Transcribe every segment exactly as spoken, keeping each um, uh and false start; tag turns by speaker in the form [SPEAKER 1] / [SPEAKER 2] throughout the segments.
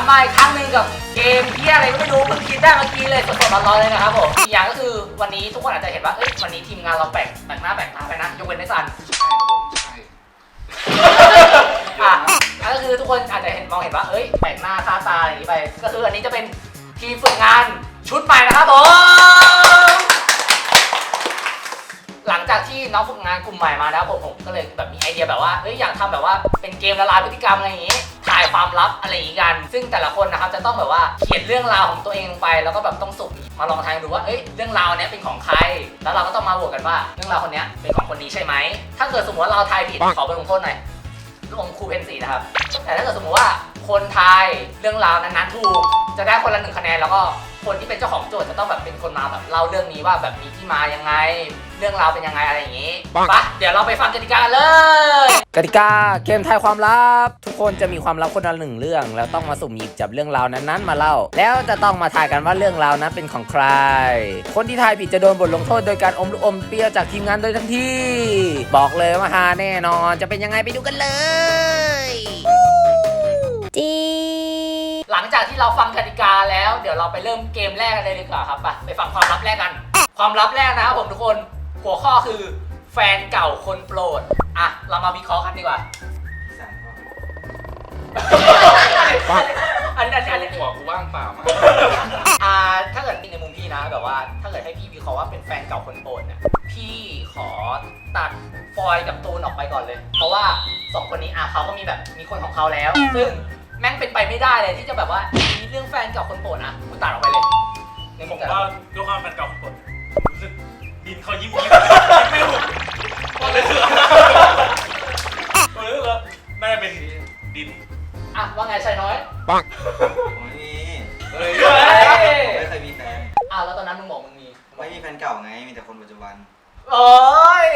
[SPEAKER 1] มาอีกครั้งหนึ่งกับเกมเที่ยอะไรก็ไม่รู้เพิ่งคิดได้เมื่อกี้เลยสดๆร้อนๆเลยนะครับผมอีกอย่างก็คือวันนี้ทุกคนอาจจะเห็นว่าเอ้ยวันนี้ทีมงานเราแบ่งแบ่งหน้าแบ่งตาไปนะยกเว้นไอ้ซัน
[SPEAKER 2] ใช่
[SPEAKER 1] อ่ะก็คือทุกคนอาจจะเห็นมองเห็นว่าเอ้ยแบ่งหน้าค่าตาอย่างนี้ไปก็คืออันนี้จะเป็นทีมฝึกงานชุดใหม่นะครับผมหลังจากที่น้องฝึกงานกลุ่มใหม่มาแล้วผมผมก็เลยแบบมีไอเดียแบบว่าเฮ้ยอยากทำแบบว่าเป็นเกมละลายพฤติกรรมอะไรอย่างงี้ถ่ายความลับอะไรอย่างงี้กันซึ่งแต่ละคนนะครับจะต้องแบบว่าเขียนเรื่องราวของตัวเองลงไปแล้วก็แบบต้องสุ่มมาลองทายดูว่าเอ้ยเรื่องราวเนี้ยเป็นของใครแล้วเราก็ต้องมาโหวตกันว่าเรื่องราวคนเนี้ยเป็นของคนนี้ใช่ไหมถ้าเกิดสมมติว่าเราทายผิดขอบทลงโทษหน่อยลูกอมครูเพนสีนะครับแต่ถ้าเกิดสมมติว่าคนทายเรื่องราวนั้นๆถูกจะได้คนละหนึ่งคะแนนแล้วก็คนที่เป็นเจ้าของโจทย์จะต้องแบบเป็นคนมาแบบเล่าเรื่องนี้ว่าแบบมีที่มายังไงเรื่องราวเป็นยังไงอะไรอย่างนี้ปะเดี๋ยวเราไปฟังกติกาเลยกติกาเกมทายความลับทุกคนจะมีความลับคนละหนึ่งเรื่องแล้วต้องมาสุ่มหยิบจับเรื่องราวนั้นๆมาเล่าแล้วจะต้องมาทายกันว่าเรื่องราวนั้นเป็นของใครคนที่ทายผิดจะโดนบทลงโทษโดยการอมลูกอมเปรี้ยวจากทีมงานโดยทันทีบอกเลยว่าฮาแน่นอนจะเป็นยังไงไปดูกันเลยจีหลังจากที่เราฟังกติกาแล้วเดี๋ยวเราไปเริ่มเกมแรกกันเลยดีกว่าครับไปไปฟังความลับแรกกันความลับแรกนะครับผมทุกคนหัวข้อคือแฟนเก่าคนโปรดอ่ะเรามาวิเคราะห์กันดีกว่าอันนี้อันนี้อันนี้
[SPEAKER 2] หัวกูว่างเปล่ามา
[SPEAKER 1] อ่าถ้าเกิดในมุมพี่นะแบบว่าถ้าเกิดให้พี่วิเคราะห์ว่าเป็นแฟนเก่าคนโปรดเนี่ยพี่ขอตัดฟอยกับตูนออกไปก่อนเลยเพราะว่าสองคนนี้อ่ะเขาก็มีแบบมีคนของเขาแล้วซึ่งแม่งเป็นไปไม่ได้เลยที่จะแบบว่ามีเรื่องแฟนเก่าคนโปรดอ่ะกูตัดออกไปเลยในมุ
[SPEAKER 3] ผม ม
[SPEAKER 1] แต่
[SPEAKER 3] ว่าด้วยความแฟนเก่าคนโปรดรู้สึกดินเขายิ้มยิ้มไม่ถูกก็เลยคือก็เลยคือน่าจะเป็นดิน
[SPEAKER 1] อ่ะว่าไงชายน้อย
[SPEAKER 4] ปังผมไม่มี
[SPEAKER 1] เฮ้ย
[SPEAKER 4] ไม่เคยมีแฟน
[SPEAKER 1] อ้าวแล้วตอนนั้นมึงบอกมึงมี
[SPEAKER 4] ไม่มีแฟนเก่าไงมีแต่คนปัจจุบัน
[SPEAKER 1] โอ้ย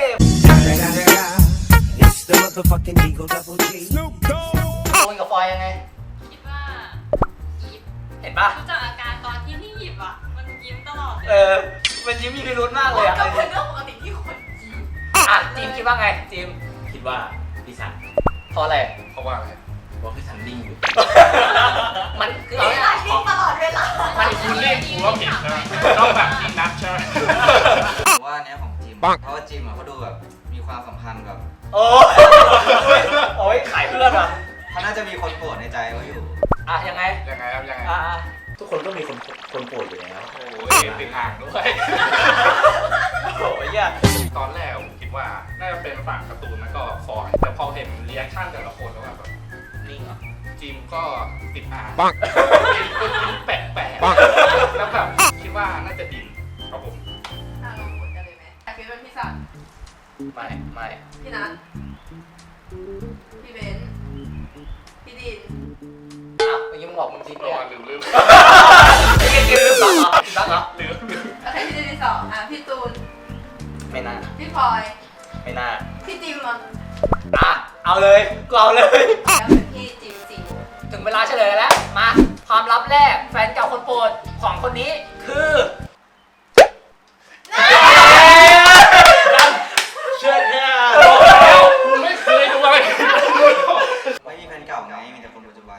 [SPEAKER 5] It's the motherfucking Eagle Double G. Snoop Dogg.
[SPEAKER 1] ตูนกับฟอยยังไง
[SPEAKER 6] คิดว่ายิ้ม
[SPEAKER 1] เห็นปะ
[SPEAKER 6] รู้จักอาการตอนที่พี่หยิบอ่ะ มันยิ้มตลอดเลย
[SPEAKER 1] เออมันยิ้มมีพิรุธมากเลยอ่ะ
[SPEAKER 6] ก็เป็นเรื่องปกติที่คนยิ้ม
[SPEAKER 1] อ่ะจิมคิดว่าไงจิม
[SPEAKER 2] คิดว่าพี่สัน
[SPEAKER 1] เพราะอะไร
[SPEAKER 2] เพราะว่าอะไรเพราะพี่สันนิ่งอยู่
[SPEAKER 1] มันคือเอา
[SPEAKER 6] พี่
[SPEAKER 1] เนี่ย
[SPEAKER 6] หลายนิ่งตลอดเวลา
[SPEAKER 1] มัน
[SPEAKER 3] คุณเล่นกูว่าผิดนะต้องแบบจริงนัดใช่ไหม
[SPEAKER 4] ผมว่าอันเนี้ยของจิม เพราะว่าจิมอะเขาดูแบบมีความสัมพันธ์แบบ
[SPEAKER 1] โอ้ยโอ้ยขายเพื่อนอ่ะ
[SPEAKER 4] เขาน่าจะมีคนโปรดในใจเขาอยู่
[SPEAKER 1] อ่ะยังไง
[SPEAKER 3] ยังไงครับยังไง
[SPEAKER 1] อ่ะ
[SPEAKER 2] ทุกคนก็มีคนคนโปรดอยู่แล้ว
[SPEAKER 3] โอ้ยติดอ่างด้วย
[SPEAKER 1] โอ้ยอ่ะ
[SPEAKER 3] ตอนแรกผมคิดว่าน่าจะเป็นฝั่งการ์ตูนแล้วก็ฟอยแต่พอเห็นรีแอคชั่นแต่ละคนแล้วแบบ
[SPEAKER 1] ลิงเหรอ
[SPEAKER 3] จิมก็ติดอ่าง
[SPEAKER 4] ปัง
[SPEAKER 3] แปลกแปลก
[SPEAKER 4] ปัง
[SPEAKER 3] แล้วแบบคิดว่าน่าจะดินครับผม
[SPEAKER 6] อ่ะเราหมุนกันเลยไหมแต่คิดว่าพี่สัน
[SPEAKER 1] ไม่ไม่
[SPEAKER 6] พี่นัทพี่เบนซ์พี่ดิน
[SPEAKER 1] อ่ะเมื่อกี้มึงบอกมึงจิม
[SPEAKER 3] ตั
[SPEAKER 1] เนี่
[SPEAKER 3] วย ลืมลืม
[SPEAKER 1] ไม่เกี่ยวกับเหรอรักเหรอ
[SPEAKER 3] ลืมลืม
[SPEAKER 6] แล้วใครพี่ดินที่สองอ่ะพี่ตูน
[SPEAKER 1] ไม่น่า
[SPEAKER 6] พี่พลอย
[SPEAKER 1] ไม่น่า
[SPEAKER 6] พี่จิมอ่ะ
[SPEAKER 1] อ่ะเอาเลยกูเอาเลย
[SPEAKER 6] แล้วเป็นพี่จิมจริง
[SPEAKER 1] ถึงเวลาเฉลยแล้วมาความลับแรกแฟนเก่าคนโปรดของคนนี้คือเชื่อเนี่ย
[SPEAKER 3] กูไม่เคยดูอะไร
[SPEAKER 4] ไม่มีแฟนเก่าไงมีแต่คนปัจจุบัน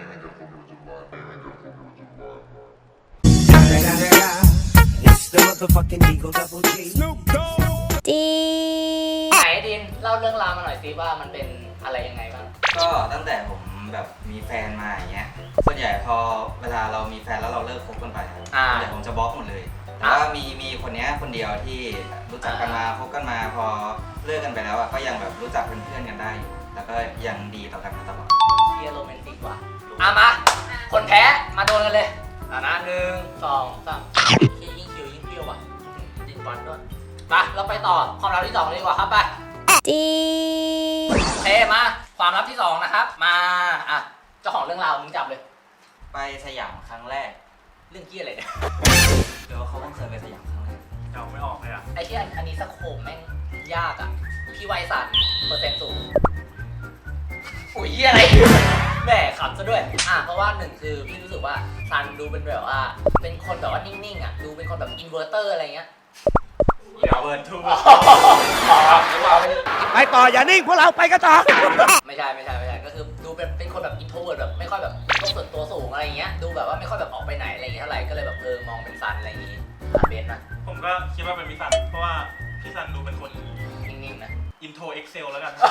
[SPEAKER 5] It's the motherfucking Eagle Double G. Snoop Dogg.
[SPEAKER 1] จีไหนดินเล่าเรื่องราวมาหน่อยสิว่ามันเป็นอะไรยังไงบ้าง
[SPEAKER 4] ก็ตั้งแต่ผมแบบมีแฟนมาอย่างเงี้ยส่วนใหญ่พอเวลาเรามีแฟนแล้วเราเลิกคบกันไปครับ
[SPEAKER 1] อ่า
[SPEAKER 4] ส่วนใหญ่ผมจะบล็อกหมดเลยแต่ว่ามีมีคนเนี้ยคนเดียวที่รู้จักกันมาคบกันมาพอเลิกกันไปแล้วอะก็ยังแบบรู้จักเป็นเพื่อนกันได้อยู่แล้วก็ยังดีต่อกันมาตลอด
[SPEAKER 1] เชียร์โรแมนติกว่ะอ่ะมาคนแพ้มาโดนกันเลยอ่ะนะหนึ่งสองสามยิ่งคิวยิ่งเปรี้ยวว่ะดินฟันด้วยมาเราไปต่อความลับที่สองเลยดีกว่าครับไปจีโอเคมาความลับที่สองนะครับมาอ่ะเจ้าของเรื่องราวมึงจับเลย
[SPEAKER 4] ไปสยามครั้งแรก
[SPEAKER 1] เรื่องกี้อะไรเนี่ย
[SPEAKER 4] เดี๋ยวเขาต้องเคยไปสยามครั้งแรก
[SPEAKER 3] เดาไม่ออกเลยอ่ะ
[SPEAKER 1] ไอ้ที่อันอันนี้สโคปแม่งยากอ่ะพี่ไวสันเปอร์เซ็นต์สูงอุ้ยเหี้ยอะไรแหม่ขำซะด้วยอ่ะเพราะว่าหนึ่งคือพี่รู้สึกว่าซันดูเป็นแบบว่าเป็นคนแบบว่านิ่งๆอ่ะดูเป็นคนแบบอินเวอร์เตอร์อะไรเงี้ย
[SPEAKER 3] เดี๋ยวเบิร์นทู
[SPEAKER 5] ไปต่ออย่านิ่งพวกเราไปกันต่อ
[SPEAKER 1] ไม่ใช่ไม่ใช่ไม่ใช่ก็คือดูเป็นเป็นคนแบบอินโทรเวิร์ดแบบไม่ค่อยแบบโลกส่วนตัวตัวสูงอะไรอย่างเงี้ยดูแบบว่าไม่ค่อยแบบออกไปไหนอะไรอย่างเงี้ยเท่าไหร่ก็เลยแบบเออมองเป็นซันอะไรอย่างงี้อ่ะเบนซ์นะ
[SPEAKER 3] ผมก็คิดว่าเป็นพี่ซัน เพราะว่าพี่ซันดูเป็นคน
[SPEAKER 1] นิ่งๆนะ
[SPEAKER 3] อินโทรเอ็กเซลแล้วกัน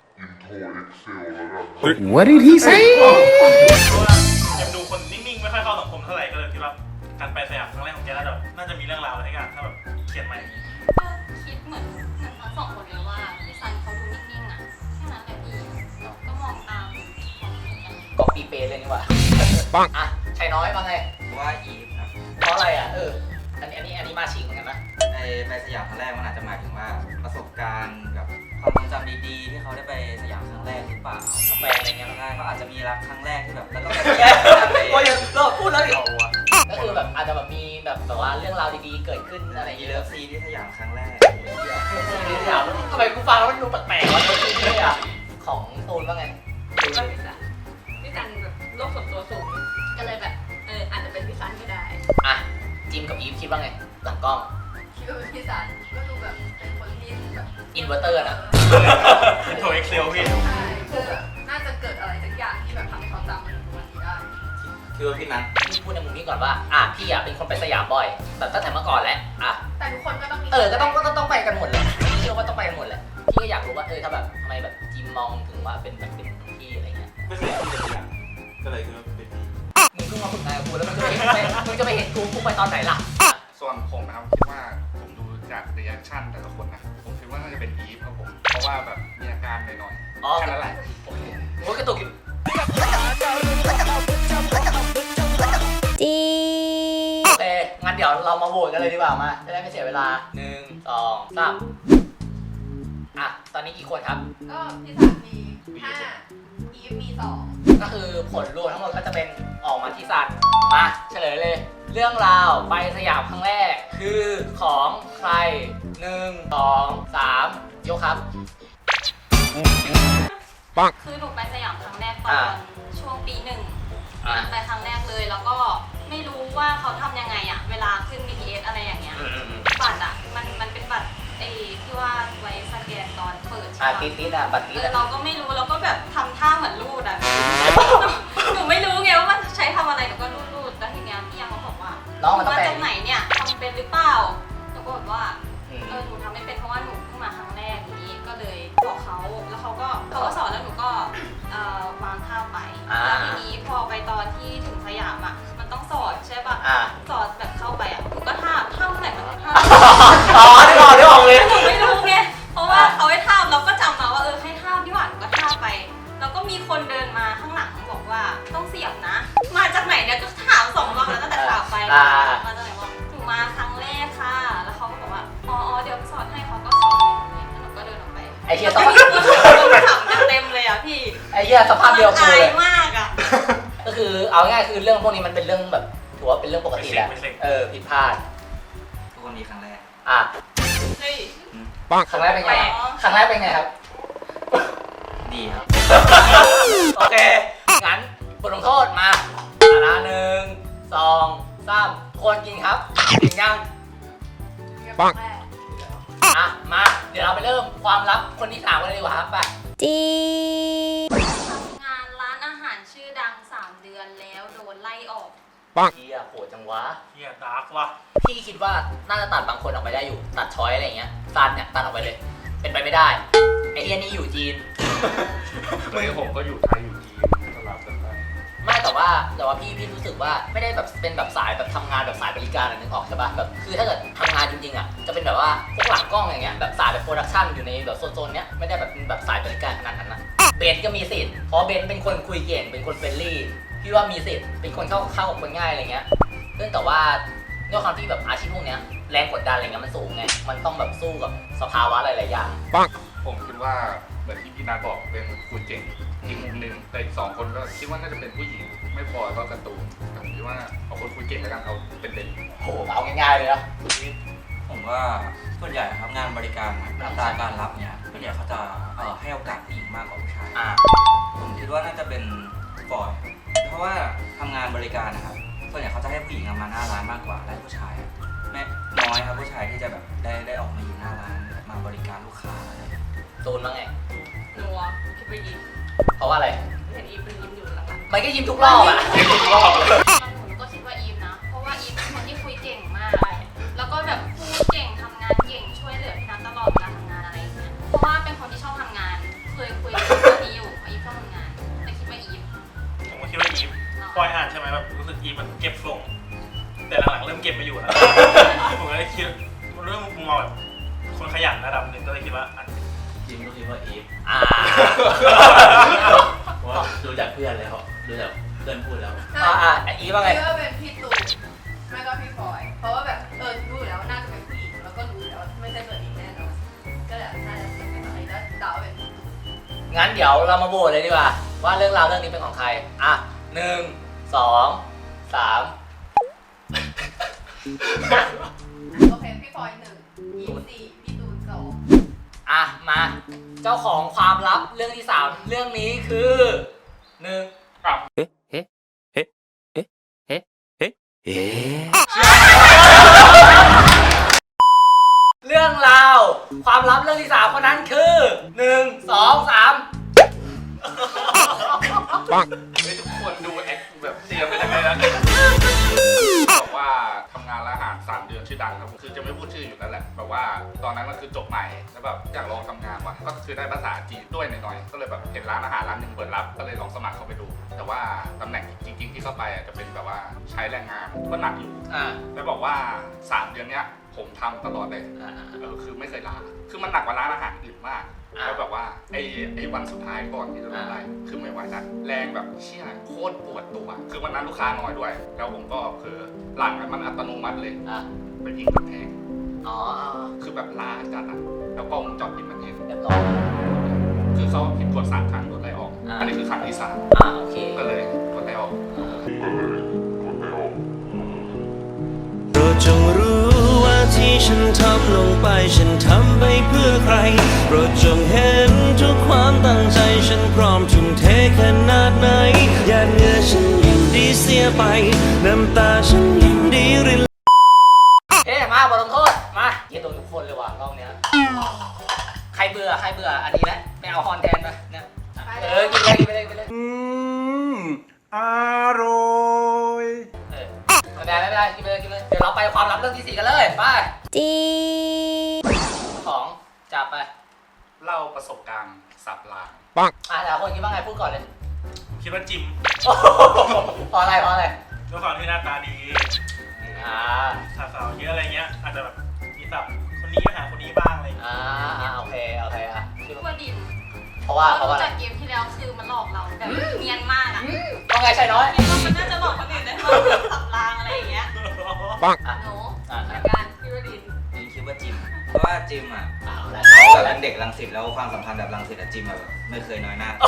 [SPEAKER 5] What did he say?
[SPEAKER 3] เพราะว่ายังดูคนนิ่งๆไม่ค่อยเข้าสังคมเท่าไหร่ก็เลยคิดว่าการไปสยามครั้งแรกของแกน่าจะน่าจะมีเรื่องราวอะไรให้กันถ้าแบบเขียนใหม่
[SPEAKER 7] ก็คิดเหมือนเหมือนทั้งสองคนเลยว่าพี่ซันเขาดูนิ่งๆอ่ะแค่นั้นแหละพี่ก็มองตามของเหมือนกัน
[SPEAKER 1] กอบปีเปเลยนี่หว่า
[SPEAKER 5] ปัง
[SPEAKER 1] อ่ะชัยน้อยว่าไง
[SPEAKER 4] ว่าอีฟครับ
[SPEAKER 1] เพราะอะไรอ่ะเอออันนี้อันนี้อันนี้มาชิงเหมือนกันนะ
[SPEAKER 4] ในไปสยามครั้งแรกมันอาจจะหมายถึงว่าประสบการณ์กับความทรงจำดีๆ ที่เขาได้ไปสยามครั้งแรกหรือเปล่า
[SPEAKER 1] กับแฟนอะไรเงี้ย
[SPEAKER 4] ใช่เขาอาจจะมีรักครั้งแรกที่แบบแล้วก็แบบ
[SPEAKER 1] โอ้ยเราพูดแล้วดิก็คือแบบอาจจะแบบมีแบบแบบว่าเรื่องราวดีๆเกิดขึ้นอะไรอย่าง
[SPEAKER 4] มี
[SPEAKER 1] เงี้ย
[SPEAKER 4] เลิฟซีนที่สยามครั้งแรก
[SPEAKER 1] ถามทำไมกูฟังแล้วมันดูแปลกๆวะตัวจริงเลยอ่ะของตูนว่าไง
[SPEAKER 6] คิดว่าพี่ซันพี่ซันแบบโลกส่วนตัวสูงก็เลยแบบเอออาจจะเป็นพี่ซันก็ได้
[SPEAKER 1] อ่ะจิมกับอีฟคิดว่าไงหลังกล้อง
[SPEAKER 6] คิดว่าเป็นพี่ซันก็ดูแบบเป็นคนที่แบบ
[SPEAKER 1] อินเวอร์เตอร์นะ
[SPEAKER 3] อินโทรเอ็กเซลพี่
[SPEAKER 6] ใช่คือแบบน่าจะเกิดอะไรสักอย่างที่แบบทำให้เขาจำมันถึงวันนี้ได้
[SPEAKER 4] คือว่าพี่นัท
[SPEAKER 1] พี่พูดในมุมนี้ก่อนว่าอ่ะพี่อ่ะเป็นคนไปสยามบ่อยแบบตั้งแต่เมื่อก่อนแล้วอ่ะ
[SPEAKER 6] แต่ทุกคนก็ต้องมี
[SPEAKER 1] เออก็ต้องก็ต้องต้องไปกันหมดเลยพี่เชื่อว่าต้องไปกันหมดแหละพี่ก็อยากรู้ว่าเออถ้าแบบทำไมแบบจิมมองถึงว่าเป็นแบบเป็นพี่อะไรเงี้ย
[SPEAKER 2] ไม่เคยคิดจะเปลี่ยนก็เลยคิดว่าเป็นพี่
[SPEAKER 1] มึงเพิ่งมาฝึกงานกับกูแล้วมึงจะไปไปมึงจะไปเห็นกูกูไปตอนไหนล่ะ
[SPEAKER 8] ส่วนผมนะครับคิดว่าผมดูจากรีแอคชั่นแต่ละคนนะผมคิดว่าน่าจะเป็นอีฟครับผมเพราะว่าแบบมีอาการหน่อย
[SPEAKER 1] อ๋อ
[SPEAKER 8] ๆแค่นั้นแหละ
[SPEAKER 1] โอเคโอ้ยกระตุกอยู่
[SPEAKER 9] จี
[SPEAKER 1] โอเคงั้นเดี๋ยวเรามาโหวตกันเลยดีกว่ามาจะได้ไม่เสียเวลาหนึ่งสองสามอ่ะตอนนี้กี่คนครับ
[SPEAKER 6] ก็พี่ซันมีห้าอีฟมีสอง
[SPEAKER 1] ก็คือผลรวมทั้งหมดก็จะเป็นออกมาที่ซันมาเฉลยเลย เรื่องราวไปสยามครั้งแรก คือของใครหนึ่งสองสามยกครับ
[SPEAKER 7] คือหนูไปสยามครั้งแรกตอ
[SPEAKER 1] อ่า
[SPEAKER 7] นช่วงปีหนึ่ง
[SPEAKER 1] อ่ะ
[SPEAKER 7] ไปครั้งแรกเลยแล้วก็ไม่รู้ว่าเขาทำยังไงอะเวลาขึ้น บี ที เอส อะไรอย่างเงี้ย
[SPEAKER 1] อืมอืมอืม
[SPEAKER 7] บัตรอะมันมันเป็นบัตรไอ้ที่ว่าไว้สแกนตอนเปิด
[SPEAKER 1] อ่ะ
[SPEAKER 7] ใช่
[SPEAKER 1] ติด
[SPEAKER 7] ปะ
[SPEAKER 1] ติดอ่ะบัตรติ
[SPEAKER 7] เอ
[SPEAKER 1] ด
[SPEAKER 7] อ
[SPEAKER 1] อ่ะ
[SPEAKER 7] เราก็ไม่รู้เราก็แบบทำท่าเหมือนรูดอะ หนูไม่รู้ไงว่ามันใช้ทำอะไรหนูก็รูดรูดแล้วทีเนี้ยพี่ยังเขาบอกว่า
[SPEAKER 1] น้องมันต้อง
[SPEAKER 7] มา
[SPEAKER 1] แปล
[SPEAKER 7] จากไหนเนี่ยทำเป็นหรือเปล่าหนูก็บอกว่า
[SPEAKER 1] อืม
[SPEAKER 7] เออหนูทำไม่เป็นเพราะว่าหนูเพิ่งมาครั้งแรกอย่างนี้ก็เลยบอกเขาแล้วเขาก็เขาก็สอนแล้วหนูก็เอ่อวางท่าไป
[SPEAKER 1] อ่า
[SPEAKER 7] แล้วทีนี้พอไปตอนที่ถึงสยามอ่ะมันต้องสอนใช่ป่ะ
[SPEAKER 1] อ่ะ
[SPEAKER 7] สอนแบบเข้าไปอ่ะหนูก็ท่าท่าเมื่อไหร่มันก็ท่า
[SPEAKER 1] อ๋อได้ออกได้ออกเลย
[SPEAKER 7] หนูไม่รู้ไงเพราะว่าเขาให้ท่าเราก็จำมาว่าเออให้ท่าพี่หวานหนูก็ท่าไป แล้วก็มีคนเดินมาข้างหลังบอกว่าต้องเสียบนะ มาจากไหนเนี่ยก็ถามสองรอบแล้วตั้งแต่ข่าวไป
[SPEAKER 1] อ่า
[SPEAKER 7] มาจากไหนบอกหนูมาครั้งแรกค่ะ แล้วเขาก็บอกว่าอ๋ออ๋อเดี๋ยวสอนให้เขาก็สอนอย่างนี้แล้วหนูก็เดินออกไป
[SPEAKER 1] ไอ้เหี้ย
[SPEAKER 7] แล้ว
[SPEAKER 1] ส
[SPEAKER 7] ก็
[SPEAKER 1] ภาพ
[SPEAKER 7] มีคนถามเต็มเลยอ่ะพี่
[SPEAKER 1] ไอ้เหี้ยสภาพเดียว
[SPEAKER 7] มัน
[SPEAKER 1] กู
[SPEAKER 7] อา
[SPEAKER 1] เลย ย
[SPEAKER 7] มากอ่ะ
[SPEAKER 1] ก็คือเอาง่ายๆคือเรื่องพวกนี้มันเป็นเรื่องแบบถือว่าเป็นเรื่องปกติแหละ
[SPEAKER 3] ไม่เซ็ง
[SPEAKER 1] เออผิดพลาด
[SPEAKER 4] ทุกคนมีครั้งแรก
[SPEAKER 1] อ่ะ
[SPEAKER 7] เฮ้ย
[SPEAKER 1] ครั้งแรกเป็นไง
[SPEAKER 7] แปลก
[SPEAKER 1] ครั้งแรกเป็นไงครับ
[SPEAKER 4] ดีครับ
[SPEAKER 1] โอเค งั้นบทลงโทษมาอ่ะนะหนึ่งสองสามคนกินครับกินยัง
[SPEAKER 6] ปังแรก
[SPEAKER 1] อ่ะ มา เดี๋ยวเราไปเริ่มความลับคนที่สามกันเลยดีกว่าครับไป
[SPEAKER 9] จี
[SPEAKER 7] ทำงานร้านอาหารชื่อดังสามเดือนแล้วโดนไล่ออก
[SPEAKER 1] เฮียโหดจังวะ
[SPEAKER 3] เฮียดาร์กว่ะ
[SPEAKER 1] พี่คิดว่าน่าจะตัดบางคนออกไปได้อยู่ ตัดช้อยอะไรอย่างเงี้ยซันเนี่ยตัดออกไปเลย เป็นไปไม่ได้ ไอเฮียนี่อยู่จีน
[SPEAKER 8] มือผมก็อยู่ไทยอยู่จีนสลับกันไป
[SPEAKER 1] ไม่แต่ว่าแต่ว่าพี่พี่รู้สึกว่าไม่ได้แบบเป็นแบบสายแบบทำงานแบบสายบริการอะนึกออกใช่ปะแบบคือถ้าเกิดทำงานจริงๆอ่ะจะเป็นแบบว่าพวกหลังกล้องอย่างเงี้ยแบบสายแบบโปรดักชันอยู่ในแบบโซนๆเนี้ยไม่ได้แบบเป็นแบบสายบริการขนาดนั้นนะเบนก็มีสิทธิ์เพราะเบนเป็นคนคุยเก่งเป็นคนเฟรนลี่พี่ว่ามีสิทธิ์เป็นคนเข้าเข้ากับคนง่ายอะไรเงี้ยเรื่องแต่ว่าด้วยความที่แบบอาชีพพวกเนี้ยแรงกดดันอะไรเงี้ยมันสูงไงมันต้องแบบสู้กับสภาวะหลายๆอย่าง
[SPEAKER 8] ผมคิดว่าเหมือนที่พี่นาบอกเป็นคุณเจ๋งอีกมุมหนึ่งแต่อีกสองคนก็คิดว่าน่าจะเป็นผู้หญิงไม่พอก็การ์ตูนแต่ผมคิดว่าเอาคนคุยเก่งแล้วกันเอาเป็นเด่น
[SPEAKER 1] โหเอาง่ายๆเลยนะ
[SPEAKER 4] ผมว่าส่วนใหญ่ครับงานบริการอะอัตราการรับเนี่ยส่วนใหญ่เขาจะเอ่อให้โอกาสผู้หญิงมากกว่าผู้ชาย
[SPEAKER 1] อ่า
[SPEAKER 4] ผมคิดว่าน่าจะเป็นบอยเพราะว่าทำงานบริการนะครับส่วนใหญ่เขาจะให้ผู้หญิงมาหน้าร้านมากกว่าและผู้ชายอะไม่น้อยครับผู้ชายที่จะแบบได้ได้ออกมาอยู่หน้าร้านมาบริการลูกค้าอะไรอย่างเงี้ย
[SPEAKER 1] ตูนว่าไง
[SPEAKER 6] หนูอ่ะคิดไปยิ้ม
[SPEAKER 1] เพราะว่าอะไร
[SPEAKER 6] เห็นอีฟเป็นยิ้มอยู่หลัง
[SPEAKER 1] มันก็ยิ้มทุกรอบอ่ะ
[SPEAKER 8] เรียนทุกรอบเลย
[SPEAKER 7] หนูก็คิดว่าอีฟนะ เพราะว่าอีฟเป็นคนที่คุยเก่งมาก แล้วก็แบบพูดเก่งทำงานเก่งช่วยเหลือพี่นัทตลอดเวลาทำงานอะไรอย่างเงี้ย เพราะว่าเป็นคนที่ชอบทำงาน เคยคุยเรื่องนี้อยู่ว่าอีฟชอบทำงานแต่คิดว่าอีฟ
[SPEAKER 3] ผมก็คิดว่าอีฟปล่อยอ่านใช่ไหมแบบรู้สึกอีฟมันเก็บทรงแต่หลังๆเริ่มเก็บไม่อยู่แล้วผมก็เลยคิดเรื่องมุมมองแบบคนขยันระดับหนึ่งก็เลยคิดว่าอัน
[SPEAKER 2] จริงก็คิดว่าอีฟ
[SPEAKER 1] อ่า
[SPEAKER 2] เพราะว่าดูจากเพื่อนแล้วดูจากเพื่อนพูดแล้ว
[SPEAKER 1] อ่าอ่าอีว่าไง
[SPEAKER 6] คิดว่าเป็นพี่ตูนไม่ก็พี่พลอย เพราะว่าแบบเออรู้อยู่แล้วน่าจะเป็นผู้หญิงแล้วก็รู้อยู่แล้วไม่ใช่ตัวเองแน่นอนก็เลยน่าจะเป็นพี่พลอยแล้วเดาเป็นพี่ตูน
[SPEAKER 1] งั้นเดี๋ยวเรามาโหวตเลยดีกว่า ว่าเรื่องราวเรื่องนี้เป็นของใคร อ่ะหนึ่งสองสาม
[SPEAKER 6] โอเคพี่พลอยหนึ่งอีฟสี่พี่ตูนสอง
[SPEAKER 1] อ่ะมา เจ้าของความลับเรื่องที่สามเรื่องนี้คือหนึ่ง
[SPEAKER 8] อ้าว
[SPEAKER 1] เรื่องราวความลับเรื่องที่สามคนนั้นคือหนึ่งสองสาม
[SPEAKER 8] เฮ้ยทุกคนดูแอคแบบเตรียมไปยังไงนะบอกว่าทำงานร้านอาหารสามเดือนชื่อดังครับคือจะไม่พูดชื่ออยู่แล้วแหละแบบว่าตอนนั้นก็คือจบใหม่แล้วแบบอยากลองทำงานว่ะก็คือได้ภาษาจีนด้วยหน่อยๆก็เลยแบบเห็นร้านอาหารร้านหนึงเปิดรับก็เลยลองสมัครเข้าไปดู แต่ว่าตำแหน่งจริงๆที่เข้าไปอ่ะจะเป็นแบบว่าใช้แรงงานก็หนักอยู่
[SPEAKER 1] อ่า
[SPEAKER 8] แล้วบอกว่าสามเดือนเนี้ยผมทำตลอดเลย
[SPEAKER 1] อ่า
[SPEAKER 8] เออคือไม่เคยลาคือมันหนักกว่าร้านอาหารอื่นมาก
[SPEAKER 1] อ่า
[SPEAKER 8] แล้วแบบว่าไอ้ไอ้วันสุดท้ายก่อนที่จะลงได้คือไม่ไหวแล้วแรงแบบเชี่ยโคตรปวดตัว คือวันนั้นลูกค้าน้อยด้วย แล้วผมก็คือหลังมันอัตโนมัติเลย
[SPEAKER 1] อ่า
[SPEAKER 8] ไปยิงกำแพง
[SPEAKER 1] อ๋อ
[SPEAKER 8] คือแบบล้าจัดอ่ะแล้วกล้องวงจรปิดมันเห็น
[SPEAKER 1] เรียบร้อย
[SPEAKER 8] คือเขาผิดกฎสามครั้งกดไล่ออก
[SPEAKER 1] อ่า
[SPEAKER 8] อันนี้คือครั้งที่สาม
[SPEAKER 1] อ่าโอเค
[SPEAKER 8] ก็เลยกดไล่ออก
[SPEAKER 5] โปรดจงรู้ว่าที่ฉันทำลงไปฉันทำไปเพื่อใครโปรดจงเห็นทุกความตั้งใจฉันพร้อมทุ่มเทขนาดไหนหยาดเหงื่อฉันยินดีเสียไปน้ำตาฉันยินดีริน
[SPEAKER 1] เอ๊ะมาบทลงโทษ มาเย็นโดนทุกคนเลยว่ะรอบเนี้ยใครเบื่อใครเบื่ออันนี้นะไม่เอาฮอนแทนไปเนี่ยเออกินเลยกินไปเลยกินไปเลย
[SPEAKER 2] อืมอร่อย
[SPEAKER 1] เออไม่เป็นไรไม่เป็นไรกินไปเลยกินไปเลยเดี๋ยวเราไปความลับเรื่องที่สี่กันเลยไป
[SPEAKER 9] จี
[SPEAKER 1] ของจับไป
[SPEAKER 8] เล่าประสบการณ์สับลาง
[SPEAKER 1] อ่ะแต่ละคนคิดว่าไงพูดก่อนเลย
[SPEAKER 3] คิดว่าจิม
[SPEAKER 1] โอ้โหเพราะอะไรเพราะอะไร
[SPEAKER 3] ด้วยความที่หน้าตาดี
[SPEAKER 1] อ่า
[SPEAKER 3] สาวๆเยอะอะไรเงี้ยอาจจะแบบมีสับคนนี้ไปหาคนนี้บ้างอะไรอย่างเงี้ย
[SPEAKER 1] อ่าอ่าโอเคโอเคอ่ะคิด
[SPEAKER 7] คิด
[SPEAKER 1] ว่า
[SPEAKER 7] ว่าดิน
[SPEAKER 1] เพราะว่าเพราะว่า
[SPEAKER 7] รู้จากเกมที่แล้วคือมันหลอกเราแบบเนียนมากอะ
[SPEAKER 1] ว่าไงชายน้อย
[SPEAKER 7] คิดว่ามันน่าจะหลอกคนอื่นได้ว่าสับรางอะไรอย่างเงี้ย
[SPEAKER 1] อ่ะ
[SPEAKER 6] หนู
[SPEAKER 1] อ่ะ
[SPEAKER 6] เหมือนกันพี่ว่าดิน
[SPEAKER 4] จิมคิดว่าจิม เพราะว่าจิมอ่ะ
[SPEAKER 1] เอาละ
[SPEAKER 4] เขาแบบเป็นเด็กรังสิตแล้วความสัมพันธ์แบบรังสิตอะจิมแบบไม่เคยน้อยหน้า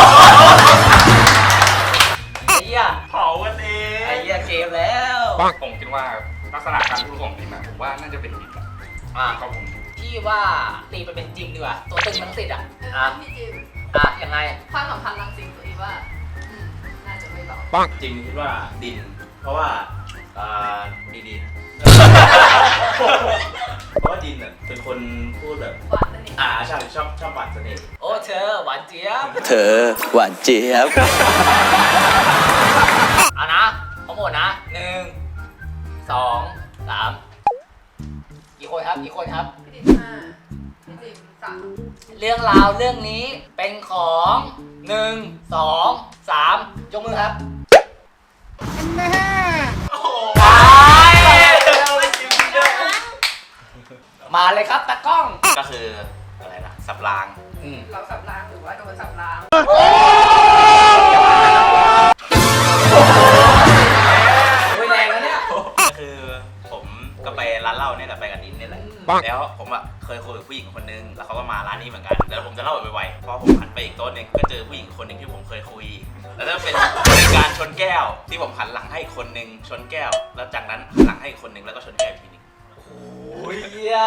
[SPEAKER 1] ไอ้เหี้ย
[SPEAKER 3] เผากันเอ
[SPEAKER 1] ไอ้
[SPEAKER 3] ง
[SPEAKER 1] เหี้ยเกมแล้ว
[SPEAKER 8] ผมคิดว่าลักษณะการพูดของดิมอะผมว่าน่าจะเป็นดิมอะ
[SPEAKER 1] อ่ะ
[SPEAKER 8] ครับผม
[SPEAKER 1] พี่ว่าตีไปเป็นจิมดีกว่าตัวตึงทั้งสิทธิ์อ่ะ
[SPEAKER 6] เอ
[SPEAKER 1] อ่ะ
[SPEAKER 6] อพี่จิม
[SPEAKER 1] อ่ะยังไง
[SPEAKER 6] ความสัมพันธ์รังสิตตัวอีว่าอืมน่าจะไม่เบา
[SPEAKER 2] จิมคิดว่าดิน เพราะว่าอ่า
[SPEAKER 4] ดีๆนะ
[SPEAKER 2] เพราะว่าดินเนี่ยเป็นคนพูดแบบ
[SPEAKER 6] หวานสนิท
[SPEAKER 2] อ่าใช่ชอบชอบหวานเสน่ห์
[SPEAKER 1] โอ้เธอหวานเจี๊ยบ
[SPEAKER 5] เธอหวานเจี๊ยบ
[SPEAKER 1] เอานะทั้งหมดนะหนึ่งสองสามกี่คนครับกี่คนครับ
[SPEAKER 6] พี่ดินห้าพี่จิมสาม
[SPEAKER 1] เรื่องราวเรื่องนี้เป็นของหนึ่งสองสามยกมือครับไปมาเลยครับตากล้อง
[SPEAKER 4] ก็คืออะไรนะสับราง
[SPEAKER 1] อืม
[SPEAKER 6] เราสับรางหรือว่าโดนสับราง
[SPEAKER 1] โอ้ยแรงแล้วเนี่ย
[SPEAKER 4] ก็คือผมก็ไปร้านเหล้าเนี่ยแหละไปกับดินนี่แหละ แล้วผมอะเคยคุยกับผู้หญิงคนนึงแล้วเขาก็มาร้านนี้เหมือนกันแต่ผมจะเล่าแบบไวๆเพราะผมหันไปอีกโต๊ะหนึงก็เจอผู้หญิงคนหนึ่งที่ผมเคยคุย แล้วก็เป็นการชนแก้วที่ผมหันหลังให้อีกคนนึงชนแก้ว แล้วจากนั้นหันหลังให้อีกคนนึงแล้วก็ชนแก้วอีกทีนึง
[SPEAKER 1] โอ้ยเหี้ย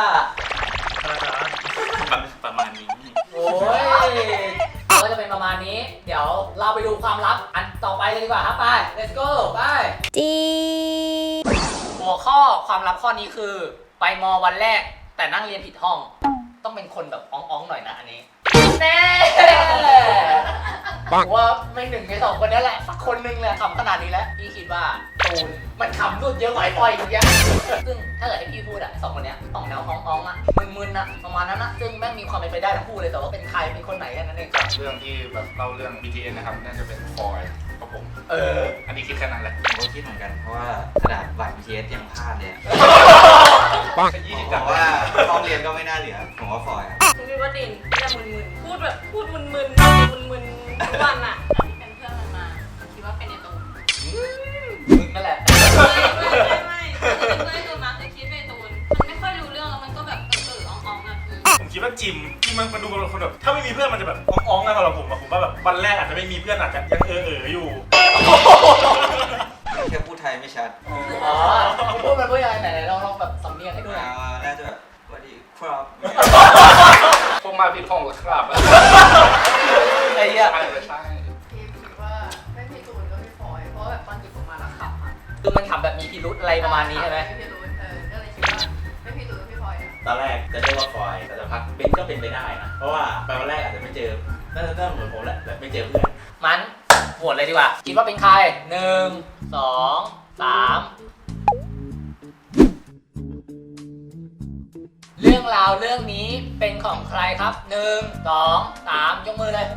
[SPEAKER 4] แบบประมาณนี้
[SPEAKER 1] โอ้ยก็จะเป็นประมาณนี้ เดี๋ยวเราไปดูความลับอันต่อไปเลยดีกว่าครับไป let's go ไป
[SPEAKER 9] จี
[SPEAKER 1] หัวข้อความลับข้อนี้คือ ไปมอวันแรกแต่นั่งเรียนผิดห้อง ต้องเป็นคนแบบอ้องๆหน่อยนะอันนี้แน่ผมว่าไม่หนึ่งในสองคนนี้แหละสักคนหนึงแหละขำขนาดนี้แล้วพี่คิดว่าตูนมันขำรุดเยอะกว่าไอ้ปอยอีกอย่างซึ่งถ้าเกิดให้พี่พูดอะสองคนเนี้ยสองแนวฮ้องๆอะมึนๆอะประมาณนั้นนะซึ่งแม่งมีความเป็นไปได้ทั้งคู่เลยแต่ว่าเป็นใครเป็นคนไหนแค่นั้นเอง
[SPEAKER 8] เรื่องที่แบบเล่าเรื่อง บี ที เอส นะครับน่าจะเป็นฟอยกับผม
[SPEAKER 1] เออ
[SPEAKER 8] อันนี้คิดแค่นั้นแหละ
[SPEAKER 4] ผมก็คิดเหมือนกันเพราะว่าขนาดบัตร บี ที เอส ยังพลาดเลยอะ
[SPEAKER 8] ยี่
[SPEAKER 4] ผ
[SPEAKER 8] สิบ
[SPEAKER 4] ม
[SPEAKER 8] กับ
[SPEAKER 4] ว่าห้องเรียนก็ไม่น่าเหลือผมว่าฟอยอะ
[SPEAKER 6] คุณคิดว่าดินที่จะมึนๆพูดแบบพูดมึนๆมึนๆทุกวันอ่ะ
[SPEAKER 7] ที่เป็นเพื่อนมันมาคิดว่าเป็นไอตูน
[SPEAKER 1] มึงนั่นแหละ
[SPEAKER 7] ไม่ไม่ไม่เป็นเพื่อนไอตูนมาคือคิดเป็นไอตูนมันไม่ค่อยรู้เรื่องแล้วมันก็แบบเออๆอ่องๆอ่ะพี่
[SPEAKER 3] ผมคิดว่าจิมจิมมันมันดูเป็นคนแบบถ้าไม่มีเพื่อนมันจะแบบอ้องๆนะสำหรับผมอะผมว่าแบบวันแรกอาจจะไม่มีเพื่อนอาจจะยังเออเออๆอยู่
[SPEAKER 4] แค่พูดไทยไม่ชัด
[SPEAKER 1] อ๋อผมพูดมันพูดยังไงไหนๆลองลองแบบสำเนียงให้ดูหน่อย
[SPEAKER 4] อ่าน่าจะแบบสวัสดีครับ
[SPEAKER 8] ผมมาผิดห้องแล้วครับ
[SPEAKER 1] ไอ้เหี้ย
[SPEAKER 8] ใช่ไม่ใช่
[SPEAKER 6] พี่คิดว่าไม่พี่ตูนก็พี่ฟอยเพราะว่าแบบตอนหยิบออกมาแล้วขับอ่ะ
[SPEAKER 1] คือมันขำแบบมีพิรุธอะไรประมาณนี้ใช่ไหม
[SPEAKER 6] ไม่พี่ตูนเออก็เลยคิดว่าไม่พี่ตูนก็พี่ฟอยอ่ะ
[SPEAKER 10] ตอนแรกจะเรียกว่าฟอยแต่สักพักเบนก็เป็นไปได้นะ เพราะว่าไปวันแรกอาจจะไม่เจอน่าจะเหมือนผมแหละแบบไม่เจอเพื่อน
[SPEAKER 1] มันโหวตเลยดีกว่า คิดว่าเป็นใครหนึ่งสองสามเรื่องราวเรื่องนี้เป็นของใครครับหนึ่งสองสามยกมือเลย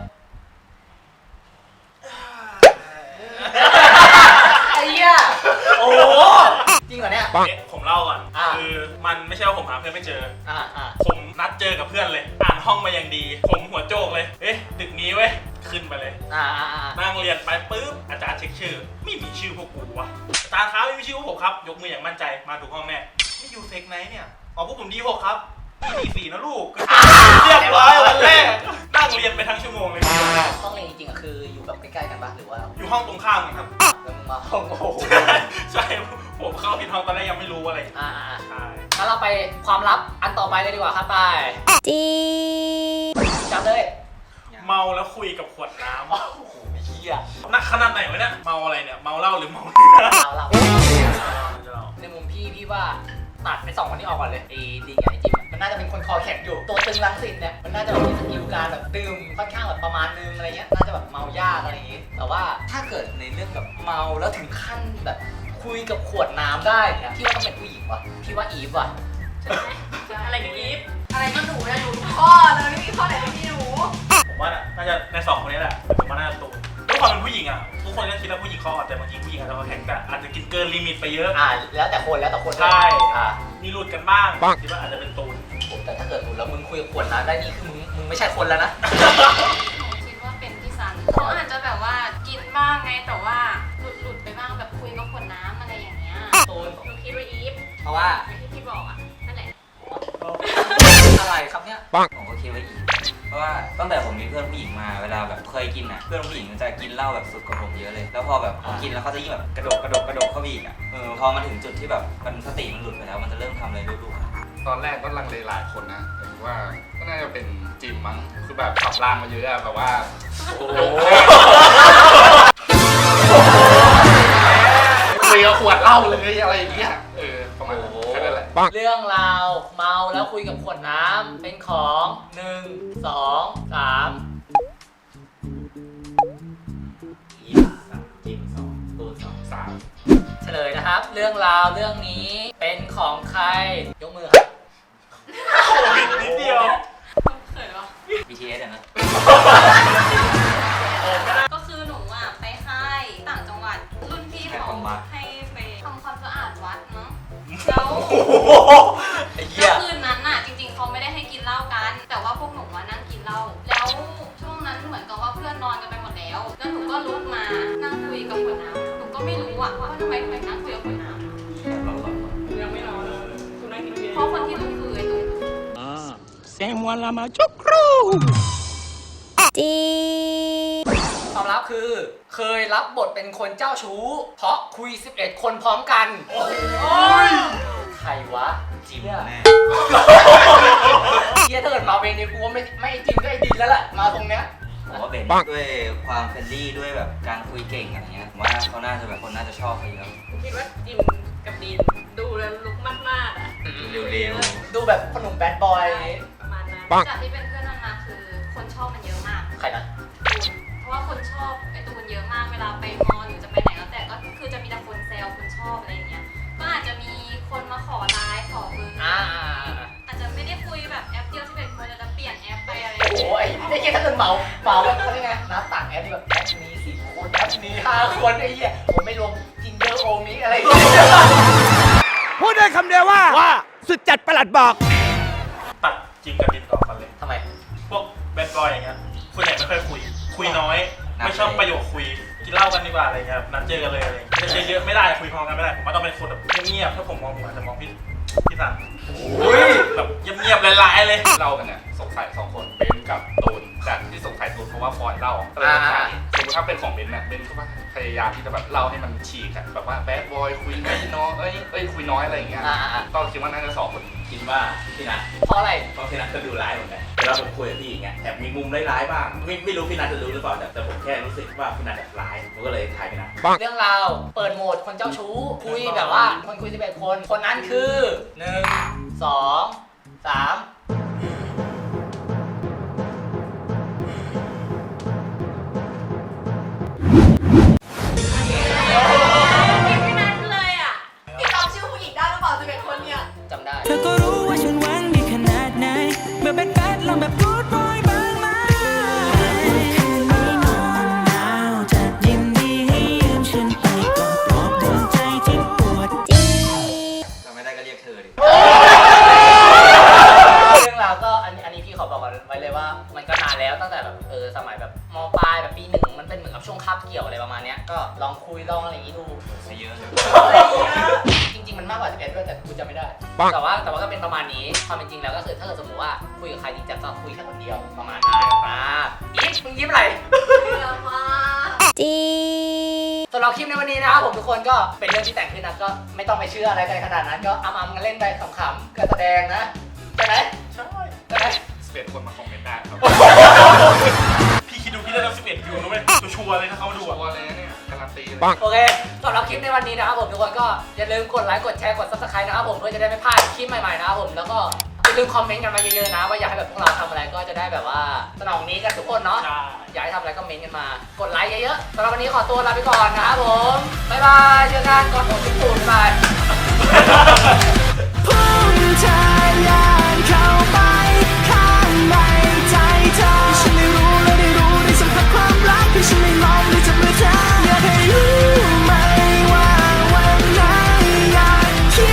[SPEAKER 1] ไอ้เหี้ยโอ้โหจริงเหรอเนี่ย
[SPEAKER 3] เอ๊ะผมเล่าก่อน
[SPEAKER 1] อ่า
[SPEAKER 3] คือมันไม่ใช่ว่าผมหาเพื่อนไม่เจอ
[SPEAKER 1] อ่าอ่า
[SPEAKER 3] ผมนัดเจอกับเพื่อนเลย อ่านห้องมาอย่างดี ผมหัวโจกเลย เอ๊ะตึกนี้เว้ย ขึ้นไปเลย
[SPEAKER 1] อ่าอ่าอ่า
[SPEAKER 3] นั่งเรียนไปปุ๊บ อาจารย์เช็คชื่อ ไม่มีชื่อพวกกูวะอาจารย์ครับไม่มีชื่อพวกผมครับ ยกมืออย่างมั่นใจ มาถูกห้องแน่ไม่อยู่เฟกไนท์เนี่ย อ๋อพวกผมดีหกครับดีสี่นะลูก เรียบร้อยวันแรก นั่งเรียนไปทั้งชั่วโมงเลย
[SPEAKER 1] ห้องเรียนจริงๆอะคืออยู่แบบใกล้ๆกันปะหรือว่า
[SPEAKER 3] อยู่ห้องตรงข้ามกันครับ
[SPEAKER 1] แล้วมึงมาห้องโอ้โห
[SPEAKER 3] ใช่ ผมเข้าผิดห้องตอนแรกยังไม่รู้อะไร
[SPEAKER 1] อ่าอ่าอ่า
[SPEAKER 3] ใช่
[SPEAKER 1] งั้นเราไปความลับอันต่อไปเลยดีกว่าครับไป
[SPEAKER 9] จี
[SPEAKER 1] จับเลย
[SPEAKER 3] เมาแล้วคุยกับขวดน้
[SPEAKER 1] โอ้โหเฮีย
[SPEAKER 3] ำนักขนาดไหนวะเนี่ย เมาอะไรเนี่ย เมาเหล้าหรือเมาเนื้อ
[SPEAKER 1] เราเราในมุมพี่พี่ว่าตัดไปสองคนนี้ออกก่อนเลยไอ้ดิงกับไอ้จิมอะมันน่าจะเป็นคนคอแข็งอยู่ตัวตึงรังสิตเนี่ยมันน่าจะแบบมีสกิลการแบบดื่มค่อนข้างแบบประมาณนึงอะไรเงี้ยน่าจะแบบเมายากอะไรอย่างงี้แต่ว่าถ้าเกิดในเรื่องแบบเมาแล้วถึงขั้นแบบคุยกับขวดน้ำได้เนี่ยพี่ว่าต้องเป็นผู้หญิงว่ะพี่ว่าอีฟว่ะ
[SPEAKER 6] ใช่ไหมอะไรกับอีฟอะไรก็หนูนะหนูทุกข้อเลยไม่มีข้อไหนไม่มีหนู
[SPEAKER 3] ผมว่าน่าจะในสองคนนี้แหละผมว่าน่าจะตูนด้วยความเป็นผู้หญิงอ่ะ ทุกคนก็คิดว่าผู้หญิงเขาอ่อนแต่บางทีผู้หญิงอาจจะคอแข็งแต่อาจจะกินเกินลิมิตไปเยอะ
[SPEAKER 1] อ่าแล้วแต่คนแล้วแต่คน
[SPEAKER 3] ใช่
[SPEAKER 1] อ่า
[SPEAKER 3] มีหลุดกันบ้างคิดว่าอาจจะเป็นตูน
[SPEAKER 1] ผมแต่ถ้าเกิดหลุดแล้วมึงคุยกับขวดน้ำได้นี่คือมึงมึงไม่ใช่คนแล้วนะ
[SPEAKER 7] หนูคิดว่าเป็นพี่ซันเขาอาจจะแบบว่ากินบ้างไงแต่ว่าหลุดหลุดๆไปบ้างแบบคุยกับขวดน้ำอะไรอย่างเงี้ย
[SPEAKER 1] ตูน
[SPEAKER 7] หนูคิดว่าอีฟ
[SPEAKER 1] เพราะว่า
[SPEAKER 7] อย่างที่พี่บอกอ่ะนั่นแหละ
[SPEAKER 1] อะไรครับเนี่ย
[SPEAKER 4] ผมก็คิดว่าอีกเพราะว่าตั้งแต่ผมมีเพื่อนผู้หญิงมาเวลาแบบเคยกินอ่ะเพื่อนผู้หญิงมันจะกินเหล้าแบบสุดกว่าผมเยอะเลย แล้วพอแบบผมกินแล้วเขาจะยิ่งแบบกระโดดกระโดดกระโดดเข้าไปอีกอ่ะเออพอมาถึงจุดที่แบบมันสติมันหลุดไปแล้วมันจะเริ่มทำอะไรลูกๆ
[SPEAKER 8] ตอนแรกก็ลังเลหลายคนนะแต่ว่าก็น่าจะเป็นจิมมั้ง คือแบบขับรางมาเยอะอะแบบว่า โอ้โหคุยกับขวดเหล้าเลยอะไรอย่างเงี้ย เออ ประมาณนั้นแค่นั้นแหละ
[SPEAKER 1] เรื่องราวเมาแล้วคุยกับขวดน้ำเป็นของหนึ่งสองสาม
[SPEAKER 10] อีสามจิมสองตูนสอง
[SPEAKER 8] สาม
[SPEAKER 1] เฉลยนะครับ เรื่องราวเรื่องนี้เป็นของใครยกมือครับ
[SPEAKER 3] โอ้ยนิดเดียว
[SPEAKER 7] เขินวะ
[SPEAKER 4] บี ที เอส อะนะ
[SPEAKER 7] ก็คือหนูอ่ะไปค่ายต่างจังหวัดรุ่นพี่เขาให้ไปทำความสะอาดวัดเนาะแล้ว
[SPEAKER 1] ไอ้เหี้
[SPEAKER 7] แล้
[SPEAKER 1] ยว
[SPEAKER 7] คืนนั้นน่ะจริงๆเขาไม่ได้ให้กินเหล้ากัน แต่ว่าพวกหนูว่านั่งกินเหล้าแล้วช่วงนั้นเหมือนกับว่าเพื่อนนอนกันไปหมดแล้ว แล้วหนูก็ลุกมานั่งคุยกับขวดน้ำหนูก็ไม่รู้อ่ะว่าทำไมทำไมนั่งคุยกับขวดน้ำ
[SPEAKER 6] ยังไม่นอนเลยคุณนั่งกินเบียร์
[SPEAKER 7] เพราะคนที่รู้คือไอ้ตุ้ม
[SPEAKER 9] จี
[SPEAKER 1] ความลับคือ เคยรับบทเป็นคนเจ้าชู้ เพราะคุยสิบเอ็ดคนพร้อมกันโอ้ยใครวะ
[SPEAKER 4] จิมแน่
[SPEAKER 1] เฮียถ้าเกิดมาเวนี้กูว่าไม่ไม่จริงก็ไอ้ดินแล้วแหละมาตรงเนี้ย
[SPEAKER 4] ผมว่าเบนด้วยความเฟรนลี่ด้วยแบบการคุยเก่งอะไรเงี้ยผมว่าเขาน่าจะแบบคนน่าจะชอบเขาเยอะ
[SPEAKER 6] คิดว่าจิมกับดีนดูแล้วลุกมากๆอ่ะ
[SPEAKER 4] เร็ว
[SPEAKER 1] ดูแบบขนมแบดบอย
[SPEAKER 6] ประมาณนั้น
[SPEAKER 7] จากที่เป็นเพื่อนมันมาคือคนชอบมันเยอะมาก
[SPEAKER 1] ใครนะ
[SPEAKER 7] เพราะว่าคคนชอบไอตูนเยอะมากเวลาไปมอหรือจะไปไหนแล้วแต่ก็คือจะมีแต่คนแซวคนชอบอะไรอย่างเงี้ยก็อาจจะมีคนมาขอไลน์ขอเบอร์
[SPEAKER 1] อ่า
[SPEAKER 7] อาจจะไม่ได้คุยแบบแอปเดียวที่เป็นคนจะเปลี่ยนแอปไปอะไรอ
[SPEAKER 1] โอ้
[SPEAKER 7] ย่าง
[SPEAKER 1] โห
[SPEAKER 7] เงี้ย
[SPEAKER 1] ไอ้ไอ้เหี้ยถ้าเกิดเหมาเหมาแบบเขาเรียกไงนับต่างแอปที่แบบแอปนี้สิบคนแอปนี้ห้าคนไอ้เหี้ยผมไม่รวมจินเดอร์โอมิอะไรอย่างเงี้ย
[SPEAKER 2] พูดได้คำเดียวว่า ว่า สุดจัดประหลัดบอก
[SPEAKER 3] ตัดจริงกับดินต่อกันเลย
[SPEAKER 1] ทำไม
[SPEAKER 3] พวกแบดบอยอย่างเงี้ยส่วนใหญ่ไม่ค่อยคุย คุยน้อย ไม่ชอบประโยคคุย กินเหล้ากันดีกว่าอะไรเงี้ย นัดเจอกันเลยอะไรเงี้ยจะเยอะๆไม่ได้ คุยพร้อมกันไม่ได้ ผมว่าต้องเป็นคนแบบเงียบๆ ถ้าผมมองผมอาจจะมองพี่พี่สันแบบเงียบๆลายๆเลย
[SPEAKER 8] เล่ากันเนี่ยสงสัยสองคนเบนกับตูนแต่ที่สงสัยตูนเพราะว่าฟอยเล่าก็เลยสงสัยสมมติถ้าเป็นของเบนเนี่ยเบนก็ว่าพยายามที่จะแบบเล่าให้มันฉีกอะแบบว่าแบดบอยคุยน้อยเอ้ยเอ้ยคุยน้อยอะไรอย่างเงี้ย
[SPEAKER 1] อ่า
[SPEAKER 8] ก็คิดว่าน่าจะสองคน
[SPEAKER 10] คิดว่าพี่นัท
[SPEAKER 1] เพราะอะไร
[SPEAKER 10] เพราะพี่นัทก็ดูร้ายเหมือนกันเวลาผมคุยกับพี่อย่างเงี้ยแอบมีมุมร้ายๆบ้างไม่ไม่รู้พี่นัทจะรู้หรือเปล่าแต่แต่ผมแค่รู้สึกว่าพี่นัทแบบร้ายผมก็เลยทายพี่นัท
[SPEAKER 1] เรื่องราวเปิดโหมดคนเจ้าชู้ คุยแบบว่าคนคุยสิบเอ็ดคน คนนั้นคือหนึ่งสองสาม
[SPEAKER 7] ไม่นัดเลยอ่ะ
[SPEAKER 6] พี่จำชื่อผู้หญิงได้หรือเปล่าสิบเอ็ดคนเนี่ย
[SPEAKER 1] จำได้
[SPEAKER 5] เธอก็รู้ว่าฉันหวังดีขนาดไหนเมื่อเป็นแบดลองแบบพูดบ่อยบ้างไหมคืนนี้นอนหนาวจะยินดีให้ยืมฉันไปกอดปลอบดวงใจที่ปวด
[SPEAKER 4] ถ้าไม่ได้ก็เรียกเธอดิ
[SPEAKER 1] เรื่องราวก็อันนี้อันนี้พี่ขอบอกไว้เลยว่ามันก็นานแล้วตั้งแต่แบบเออสมัยแบบมปลายแบบปีหนึ่งมันเป็นเหมือนกับช่วงคาบเกี่ยวอะไรประมาณเนี้ยก็ลองคุยลองอะไรอย่างงี้ดู
[SPEAKER 4] ซะเยอะเลย
[SPEAKER 1] จริงๆมันมากกว่าสิบเอ็ดด้วยแต่กูจำไม่ได้ แต่ว่าแต่ว่าก็เป็นประมาณนี้ความเป็นจริงแล้วก็คือถ้าเกิดสมมติว่าคุยกับใครจริงจังก็คุยแค่คนเดียวประมาณนั้นครับอีฟมึงยิ้มอะไร
[SPEAKER 6] เยอะมาก
[SPEAKER 9] จี
[SPEAKER 1] สำหรับคลิปในวันนี้นะครับผมทุกคนก็เป็นเรื่องที่แต่งขึ้นนะก็ไม่ต้องไปเชื่ออะไรกันขนาดนั้นก็อำๆกันเล่นไปขำๆการแสดงนะใช่ไหม
[SPEAKER 3] ใช่
[SPEAKER 1] ใช่ไหม
[SPEAKER 8] สิบเอ็ดคนมาคอมเมนต์ได้ครับ
[SPEAKER 3] พี่คิดดูพี่ได้รับสิบเอ็ดวิวนะเว้ยชัวร์ๆเลยถ้าเขามาดู
[SPEAKER 8] ชั
[SPEAKER 3] อะ
[SPEAKER 8] วร์เลยนะเนี่ยการันตีเลย
[SPEAKER 1] โอเคสำหรับคลิปในวันนี้นะครับผมทุกคนก็อย่าลืมกดไลค์กดแชร์กด ซับสไครบ์ นะครับผมเพื่อจะได้ไม่พลาดคลิปใหม่ๆนะครับผมแล้วก็อย่าลืมคอมเมนต์กันมาเยอะๆนะว่าอยากให้แบบพวกเราทำอะไรก็จะได้แบบว่าสนองนี้กันทุกคนเนาะ
[SPEAKER 3] ใช่
[SPEAKER 1] อยากให้ทำอะไรก็เมนต์กันมา กดไลค์เยอะๆสำหรับวันนี้ขอตัวลาไปก่อนนะครับผมบ๊ายบายเจอกันก่อนผมทุกคนบ๊ายบาย